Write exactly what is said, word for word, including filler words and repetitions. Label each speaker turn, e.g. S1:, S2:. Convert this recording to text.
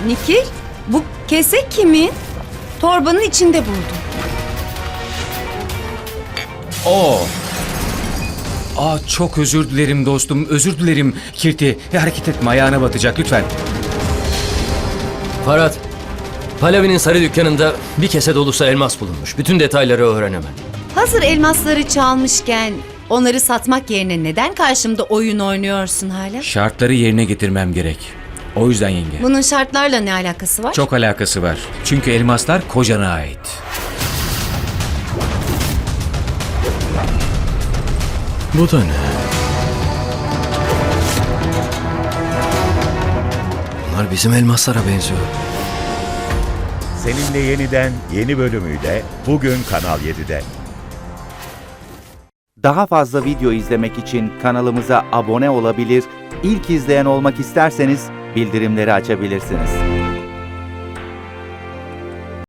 S1: Nikil, bu kese kimin? Torbanın içinde buldum.
S2: Oo. Aa, çok özür dilerim dostum, özür dilerim. Kirti, hareket etme, ayağına batacak lütfen.
S3: Farhat, Pallavi'nin sarı dükkanında bir kese dolusu elmas bulunmuş. Bütün detayları öğrenemem.
S1: Hazır elmasları çalmışken onları satmak yerine neden karşımda oyun oynuyorsun hala?
S2: Şartları yerine getirmem gerek. O yüzden yenge.
S1: Bunun şartlarla ne alakası var?
S2: Çok alakası var. Çünkü elmaslar kocana ait.
S3: Bu da ne? Bunlar bizim elmaslara benziyor.
S4: Seninle Yeniden yeni bölümüyle bugün Kanal yedide.
S5: Daha fazla video izlemek için kanalımıza abone olabilir, ilk izleyen olmak isterseniz bildirimleri açabilirsiniz.